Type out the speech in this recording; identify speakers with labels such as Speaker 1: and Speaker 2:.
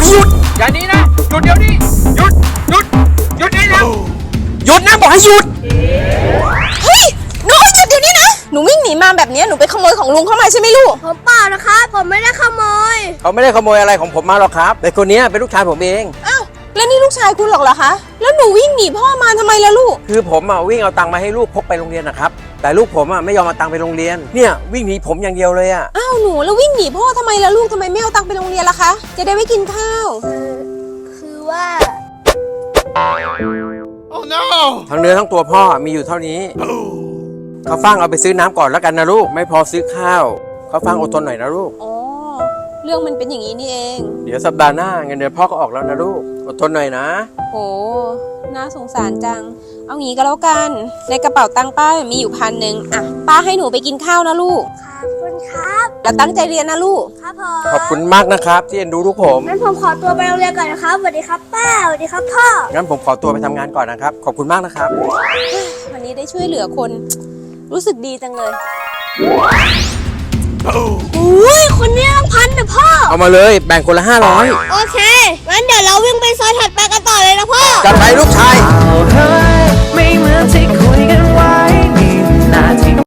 Speaker 1: ให้หยุด
Speaker 2: อย่านี้นะหยุดเดี๋ยวนี้หยุดนี่นะ
Speaker 1: หยุดนะบอกให้หยุด
Speaker 3: เฮ้ยน้องหยุดเดี๋ยวนี้นะหนูวิ่งหนีมาแบบนี้หนูไปขโมยของลุงเข้ามาใช่ไหมลูก
Speaker 4: ผมเปล่านะครับผมไม่ได้ขโมย
Speaker 1: เขาไม่ได้ขโมยอะไรของผมมาหรอกครับแต่คนนี้เป็นลูกชายผมเอง
Speaker 3: อ้าวแล้วนี่ลูกชายคุณหรอกเหรอคะแล้วหนูวิ่งหนีพ่อมาทำไมล่ะลูก
Speaker 1: คือผมวิ่งเอาตังค์มาให้ลูกพกไปโรงเรียนนะครับแต่ลูกผมไม่ยอมเอาตังค์ไปโรงเรียนเนี่ยวิ่งหนีผมอย่างเดียวเลยอะ
Speaker 3: อ้าวหนูแล้ววิ่งหนีพ่อทำไมล่ะลูกทำไมไม่เอาตังค์ไปโรงเรียนล่ะคะจะได้ไม่กินข้าว
Speaker 4: คือว่า
Speaker 1: ทั้งเนื้อทั้งตัวพ่อมีอยู่เท่านี้เขาฟังเอาไปซื้อน้ำก่อนแล้วกันนะลูกไม่พอซื้อข้าวเขาฟังอดทนหน่อยนะลูก
Speaker 3: อ๋อเรื่องมันเป็นอย่างนี้นี่เอง
Speaker 1: เดี๋ยวสัปดาห์หน้าเงินเดือนพ่อก็ออกแล้วนะลูกอดทนหน่อยนะ
Speaker 3: โหน่าสงสารจังเอางี้ก็แล้วกันในกระเป๋าตังค์ป้ามีอยู่1,000อ่ะป้าให้หนูไปกินข้าวนะลูก
Speaker 4: ขอบคุณครับ
Speaker 3: แล้วตั้งใจเรียนนะลูก
Speaker 4: ครับผม
Speaker 1: ขอบคุณมากนะครับที่เอ็นดูลูกผม
Speaker 4: งั้นผมขอตัวไปโรงเรียนก่อนนะครับสวัสดีครับป้าสวัสดีครับพ่อ
Speaker 1: งั้นผมขอตัวไปทำงานก่อนนะครับขอบคุณมากนะครับ
Speaker 3: วันนี้ได้ช่วยเหลือคน รู้สึกดีจังเลย
Speaker 4: อุ้ยคนนี้ต้อง1,000นะพ่อ
Speaker 1: เอามาเลยแบ่งคนละ500
Speaker 4: โอเคงั้นเดี๋ยวเราวิ่งไปซอยถัดไปกันต่อเลยนะพ่อ
Speaker 1: จัดไปลูกช